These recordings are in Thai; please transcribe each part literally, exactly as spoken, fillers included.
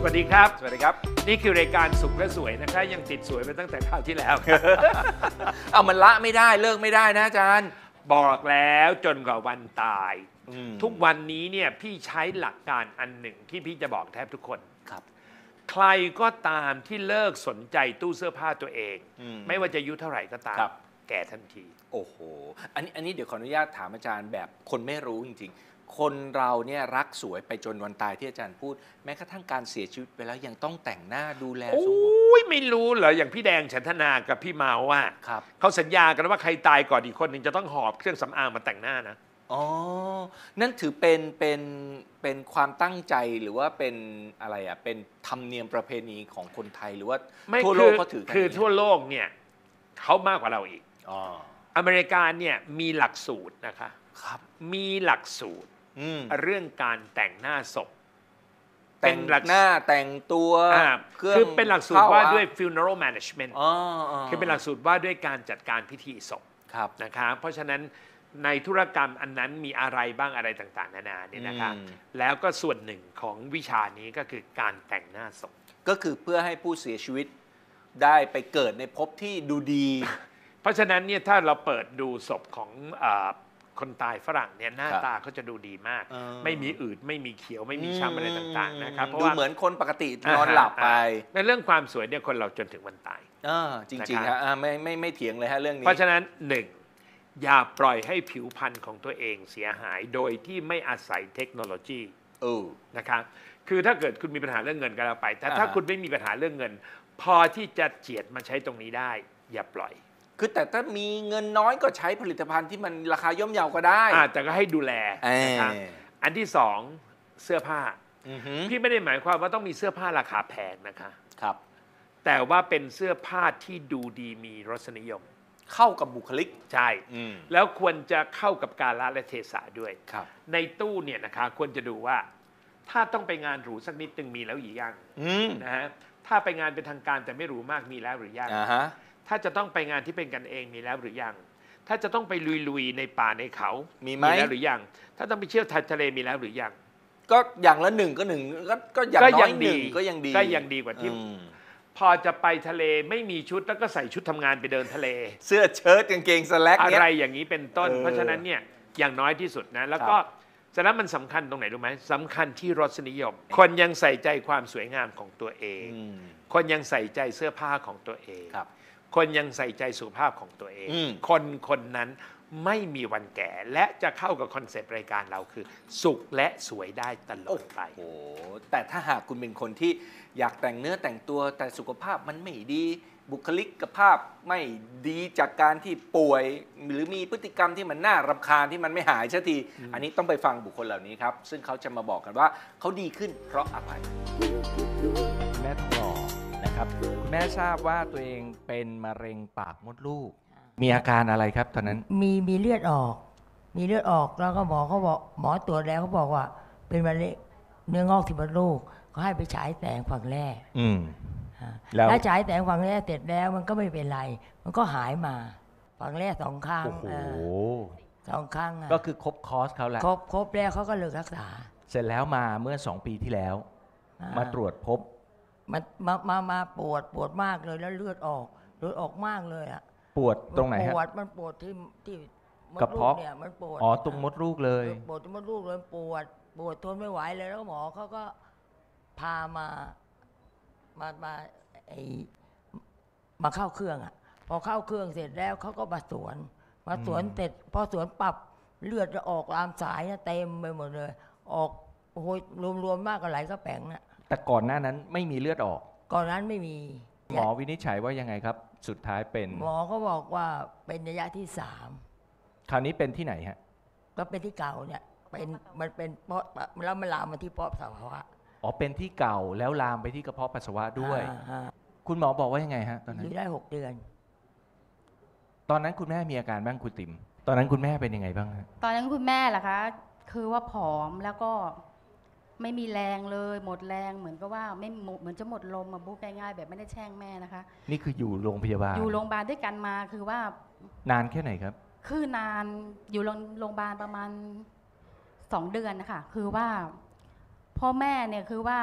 วัสดีครับสวัสดีครับนี่คือรายการสุขและสวยนะคะยังติดสวยไปตั้งแต่คราวที่แล้วเอามันละไม่ได้เลิกไม่ได้นะอาจารย์บอกแล้วจนกว่าวันตายทุกวันนี้เนี่ยพี่ใช้หลักการอันหนึ่งที่พี่จะบอกแทบทุกคนครับใครก็ตามที่เลิกสนใจตู้เสื้อผ้าตัวเองไม่ว่าจะอายุเท่าไหร่ก็ตามแก่ทันทีโอ้โหอันนี้อันนี้เดี๋ยวขออนุญาตถามอาจารย์แบบคนไม่รู้จริงๆคนเราเนี่ยรักสวยไปจนวันตายที่อาจารย์พูดแม้กระทั่งการเสียชีวิตไปแล้วยังต้องแต่งหน้าดูแลโอ้ยไม่รู้เหรออย่างพี่แดงฉันทนากับพี่เมาว่าเขาสัญญากันว่าใครตายก่อนอีกคนหนึ่งจะต้องหอบเครื่องสำอางมาแต่งหน้านะอ๋อนั่นถือเป็นเป็นเป็นความตั้งใจหรือว่าเป็นอะไรอ่ะเป็นธรรมเนียมประเพณีของคนไทยหรือว่าทั่วโลกเขาถือกันคือทั่วโลกเนี่ยเขามากกว่าเราอีกอ๋ออเมริกาเนี่ยมีหลักสูตรนะคะครับมีหลักสูตรเรื่องการแต่งหน้าศพแต่งหน้าแต่งตัวคือเป็นหลักสูตรว่าด้วย funeral management คือเป็นหลักสูตรว่าด้วยการจัดการพิธีศพนะคะเพราะฉะนั้นในธุรกรรมอันนั้นมีอะไรบ้างอะไรต่างๆนานาเนี่ยนะคะแล้วก็ส่วนหนึ่งของวิชานี้ก็คือการแต่งหน้าศพก็คือเพื่อให้ผู้เสียชีวิตได้ไปเกิดในภพที่ดูดีเพราะฉะนั้นเนี่ยถ้าเราเปิดดูศพของคนตายฝรั่งเนี่ยหน้าตาเขาจะดูดีมากไม่มีอืดไม่มีเขียวไม่มีช้ำอะไรต่างๆนะครับเพราะว่าเหมือนคนปกตินอนหลับไปในเรื่องความสวยเนี่ยคนเราจนถึงวันตายจริงๆครับไม่ไม่ไม่เถียงเลยฮะเรื่องนี้เพราะฉะนั้นหนึ่งอย่าปล่อยให้ผิวพรรณของตัวเองเสียหายโดยที่ไม่อาศัยเทคโนโลยีนะครับคือถ้าเกิดคุณมีปัญหาเรื่องเงินก็แล้วไปแต่ถ้าคุณไม่มีปัญหาเรื่องเงินพอที่จะเจียดมาใช้ตรงนี้ได้อย่าปล่อยคือแต่ถ้ามีเงินน้อยก็ใช้ผลิตภัณฑ์ที่มันราคาย่อมเยาก็ได้แต่ก็ให้ดูแลนะครับอันที่สองเสื้อผ้าพี่ไม่ได้หมายความว่าต้องมีเสื้อผ้าราคาแพงนะคะครับแต่ว่าเป็นเสื้อผ้าที่ดูดีมีรสนิยมเข้ากับบุคลิกใช่แล้วควรจะเข้ากับกาลและเทศะด้วยในตู้เนี่ยนะคะควรจะดูว่าถ้าต้องไปงานหรูสักนิดนึงมีแล้วหรือยังนะฮะถ้าไปงานเป็นทางการแต่ไม่หรูมากมีแล้วหรือยังถ้าจะต้องไปงานที่เป็นกันเองมีแล้วหรือยังถ้าจะต้องไปลุยๆในป่าในเขามีแล้วหรือยังถ้าต้องไปเที่ยวทะเลมีแล้วหรือยังก็อย่างละหนึ่งก็หนึ่งก็อย่างน้อยหนึ่งก็ยังดีก็ยังดีกว่าที่พอจะไปทะเลไม่มีชุดแล้วก็ใส่ชุดทำงานไปเดินทะเลเสื้อเชิ้ตกางเกงสแล็กอะไรอย่างนี้เป็นต้นเพราะฉะนั้นเนี่ยอย่างน้อยที่สุดนะแล้วก็ฉะนั้นมันสำคัญตรงไหนรู้ไหมสำคัญที่รสนิยมคนยังใส่ใจความสวยงามของตัวเองคนยังใส่ใจเสื้อผ้าของตัวเองคนยังใส่ใจสุขภาพของตัวเองคนคนนั้นไม่มีวันแก่และจะเข้ากับคอนเซปต์รายการเราคือสุขและสวยได้ตลอดไปโอ้แต่ถ้าหากคุณเป็นคนที่อยากแต่งเนื้อแต่งตัวแต่สุขภาพมันไม่ดีบุคลิกภาพไม่ดีจากการที่ป่วยหรือมีพฤติกรรมที่มันน่ารำคาญที่มันไม่หายสักทีอันนี้ต้องไปฟังบุคคลเหล่านี้ครับซึ่งเขาจะมาบอกกันว่าเขาดีขึ้นเพราะอะไรแม่ทองหล่อนะครับคุณแม่ทราบว่าตัวเองเป็นมะเร็งปากมดลูกมีอาการอะไรครับตอนนั้นมีมีเลือดออกมีเลือดออกแล้วก็หมอเขาบอกหมอตรวจแล้วเขาบอกว่าเป็นมะเร็งเนื้องอกที่มดลูกเขาให้ไปฉายแสงฝั่งแรกอืมแล้วฉายแสงฝั่งแรกเสร็จแล้วมันก็ไม่เป็นไรมันก็หายมาฝั่งแรกสองข้างโอ้โหสองข้างก็คือครบคอร์สเขาแหละครบครบแล้วเขาก็เลิกรักษาเสร็จแล้วมาเมื่อสองปีที่แล้วมาตรวจพบมันมามามาปวดปวดมากเลยแล้วเลือดออกเลือดออกมากเลยอ่ะปวดตรงไหนฮะปวดมันปวดที่ที่กระเพาะเนี่ยมันปวดอ๋อตรงมดลูกเลยปวดตรงมดลูกเลยปวดปวดทนไม่ไหวเลยแล้วหมอเขาก็พามามามาไอมาเข้าเครื่องอ่ะพอเข้าเครื่องเสร็จแล้วเขาก็มาสวนมาสวนเสร็จพอสวนปรับเลือดจะออกตามสายเต็มไปหมดเลยออกโอ้โหรวมๆมากกว่าไหลก็แป๋งน่ะแต่ก่อนหน้านั้นไม่มีเลือดออกก่อนนั้นไม่มีหมอวินิจฉัยว่ายังไงครับสุดท้ายเป็นหมอเขาบอกว่าเป็นระยะที่สามคราวนี้เป็นที่ไหนฮะก็เป็นที่เก่าเนี่ยเป็นมันเป็นเพราะแล้วมันลามมาที่ปอดปัสสาวะอ๋อเป็นที่เก่าแล้วลามไปที่กระเพาะปัสสาวะด้วยคุณหมอบอกว่ายังไงฮะตอนนั้นอยู่ได้หกเดือนตอนนั้นคุณแม่มีอาการบ้างคุณติ๋มตอนนั้นคุณแม่เป็นยังไงบ้างฮะตอนนั้นคุณแม่ล่ะคะคือว่าผอมแล้วก็ไม่มีแรงเลยหมดแรงเหมือนกับว่าไม่เหมือนจะหมดลมมาบุ๊กง่ายๆแบบไม่ได้แช่งแม่นะคะนี่คืออยู่โรงพยาบาลอยู่โรงพยาบาลด้วยกันมาคือว่านานแค่ไหนครับคือนานอยู่โรงพยาบาลประมาณสองเดือนนะคะคือว่าพ่อแม่เนี่ยคือว่า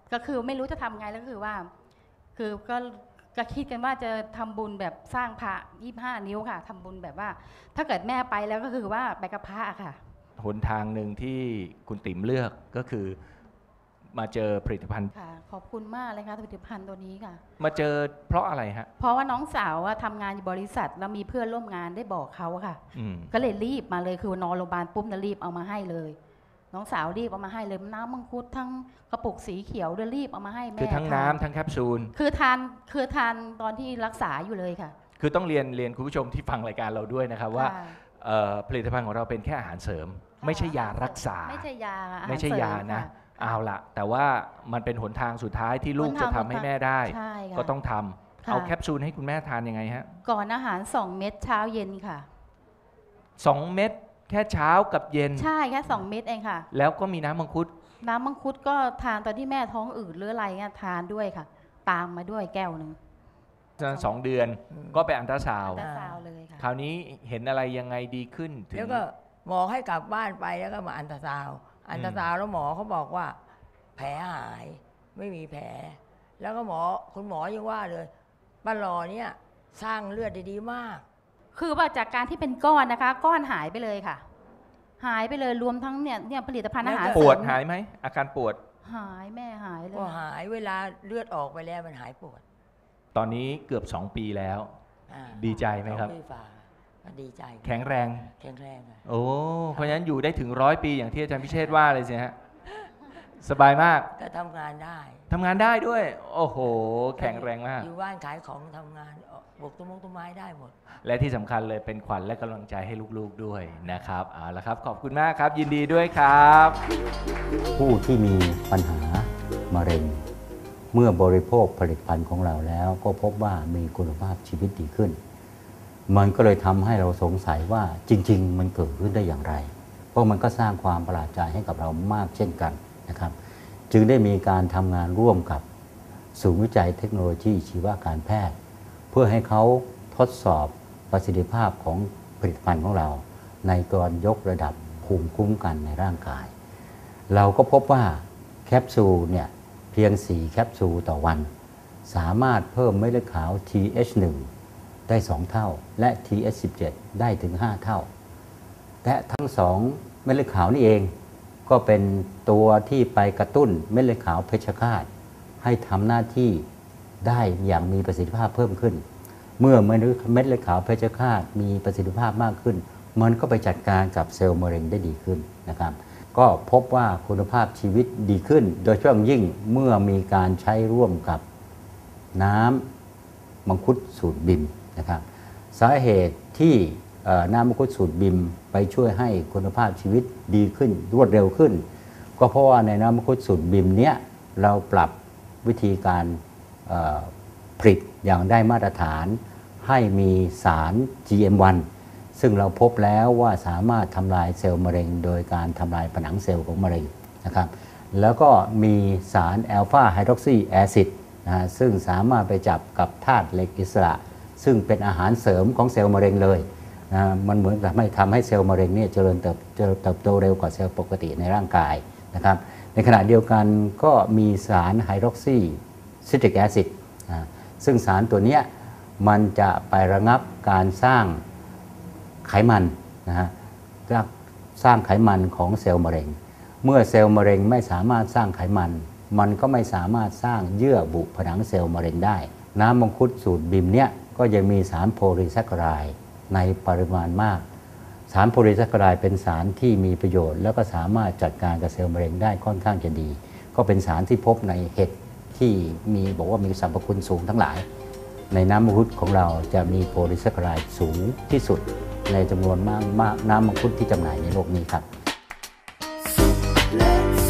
ก็คือไม่รู้จะทำไงแล้วก็คือว่า คือก็ก็คิดกันว่าจะทำบุญแบบสร้างพระยี่สิบห้านิ้วค่ะทำบุญแบบว่า ถ้าเกิดแม่ไปแล้วก็คือว่าไปกับพระค่ะหนทางหนึ่งที่คุณติ๋มเลือกก็คือมาเจอผลิตภัณฑ์ค่ะขอบคุณมากเลยค่ะผลิตภัณฑ์ตัวนี้ค่ะมาเจอเพราะอะไรฮะเพราะว่าน้องสาวว่าทำงานอยู่บริษัทแล้วมีเพื่อนร่วมงานได้บอกเขาค่ะก็เลยรีบมาเลยคือนอนโรงพยาบาลปุ๊บจะรีบเอามาให้เลยน้องสาวรีบเอามาให้เลยน้ำมังคุดทั้งกระปุกสีเขียวเดี๋ยวรีบเอามาให้แม่คือทั้งน้ำทั้งแคปซูลคือทานคือทานตอนที่รักษาอยู่เลยค่ะคือต้องเรียนเรียนคุณผู้ชมที่ฟังรายการเราด้วยนะครับว่าผลิตภัณฑ์ของเราเป็นแค่อาหารเสริมไม่ใช่ยารักษาไม่ใช่ยาไม่ใช่ยานะเอาละแต่ว่ามันเป็นหนทางสุดท้ายที่ลูกจะทำให้แม่ได้ก็ต้องทำเอาแคปซูลให้คุณแม่ทานยังไงฮะก่อนอาหารสองเม็ดเช้าเย็นค่ะสองเม็ดแค่เช้ากับเย็นใช่แค่สองเม็ดเองค่ะแล้วก็มีน้ำมังคุดน้ำมังคุดก็ทานตอนที่แม่ท้องอืดหรืออะไรเงี้ยทานด้วยค่ะตามมาด้วยแก้วหนึ่งสองเดือนก็ไปอันตราซาวด์เลยค่ะคราวนี้เห็นอะไรยังไงดีขึ้นถึงแล้วก็หมอให้กลับบ้านไปแล้วก็มาอันตราซาวด์อันตราซาวด์แล้วหมอเขาบอกว่าแผลหายไม่มีแผลแล้วก็หมอคุณหมอยังว่าเลยป้าหลอเนี่ยสร้างเลือดดีๆมากคือว่าจากการที่เป็นก้อนนะคะก้อนหายไปเลยค่ะหายไปเลยรวมทั้งเนี่ยเนี่ยผลิตภัณฑ์อาหารปวดหายไหมอาการปวดหายแม่หายเลยก็หายเวลาเลือดออกไปแล้วมันหายปวดตอนนี้เกือบสองปีแล้วดีใจไหมครับดีใจแข็งแรงแข็งแรงโอ้เพราะฉะนั้นอยู่ได้ถึงร้อยปีอย่างที่อาจารย์พิเชษฐ์ว่าเลยสิฮะสบายมากก็ทำงานได้ทำงานได้ด้วยโอ้โหแข็งแรงมากอยู่บ้านขายของทำงานปลูกต้นมงต้นไม้ได้หมดและที่สำคัญเลยเป็นขวัญและกำลังใจให้ลูกๆด้วยนะครับเอาละครับขอบคุณมากครับยินดีด้วยครับผู้ที่มีปัญหามะเร็งเมื่อบริโภคผลิตภัณฑ์ของเราแล้วก็พบว่ามีคุณภาพชีวิตดีขึ้นมันก็เลยทำให้เราสงสัยว่าจริงๆมันเกิดขึ้นได้อย่างไรเพราะมันก็สร้างความประหลาดใจให้กับเรามากเช่นกันนะครับจึงได้มีการทำงานร่วมกับศูนย์วิจัยเทคโนโลยีชีวการแพทย์เพื่อให้เขาทดสอบประสิทธิภาพของผลิตภัณฑ์ของเราในการยกระดับภูมิคุ้มกันในร่างกายเราก็พบว่าแคปซูลเนี่ยเพียงสี่แคปซูลต่อวันสามารถเพิ่มเม็ดเลือดขาว ที เอช หนึ่ง ได้สองเท่าและ ที เอช สิบเจ็ด ได้ถึงห้าเท่าและทั้งสองเม็ดเลือดขาวนี่เองก็เป็นตัวที่ไปกระตุ้นเม็ดเลือดขาวเพชฌฆาตให้ทำหน้าที่ได้อย่างมีประสิทธิภาพเพิ่มขึ้นเมื่อเม็ดเลือดขาวเพชฌฆาตมีประสิทธิภาพมากขึ้นมันก็ไปจัดการกับเซลล์มะเร็งได้ดีขึ้นนะครับก็พบว่าคุณภาพชีวิตดีขึ้นโดยเฉพาะยิ่งเมื่อมีการใช้ร่วมกับน้ำมังคุดสูตรบิมนะครับสาเหตุที่น้ำมังคุดสูตรบิมไปช่วยให้คุณภาพชีวิตดีขึ้นรวดเร็วขึ้นก็เพราะว่าในน้ำมังคุดสูตรบิมเนี้ยเราปรับวิธีการผลิตอย่างได้มาตรฐานให้มีสาร จี เอ็ม วัน ซึ่งเราพบแล้วว่าสามารถทำลายเซลล์มะเร็งโดยการทำลายผนังเซลล์ของมะเร็งนะครับแล้วก็มีสารแอลฟาไฮดรอกซีแอซิดนะซึ่งสามารถไปจับกับธาตุเหล็กอิสระซึ่งเป็นอาหารเสริมของเซลล์มะเร็งเลยนะมันเหมือนกับทำให้เซลล์มะเร็งเนี่ยเจริญเติบเติบโตเร็วกว่าเซลล์ปกติในร่างกายนะครับในขณะเดียวกันก็มีสารไฮดรอกซีซิตริกแอซิดนะซึ่งสารตัวนี้มันจะไประงับการสร้างไขมันนะฮะสร้างไขมันของเซลล์มะเร็งเมื่อเซลล์มะเร็งไม่สามารถสร้างไขมันมันก็ไม่สามารถสร้างเยื่อบุผนังเซลล์มะเร็งได้น้ำมังคุดสูตรบิมเนี่ยก็ยังมีสารโพลีแซคคาไรด์ในปริมาณมากสารโพลีแซคคาไรด์เป็นสารที่มีประโยชน์แล้วก็สามารถจัดการกับเซลล์มะเร็งได้ค่อนข้างจะดีก็เป็นสารที่พบในเห็ดที่มีบอกว่ามีสรรพคุณสูงทั้งหลายในน้ำมังคุดของเราจะมีโพลีแซคคาไรด์สูงที่สุดในจำนวนมากน้ำมังคุดที่จำหน่ายในโลกนี้ครับ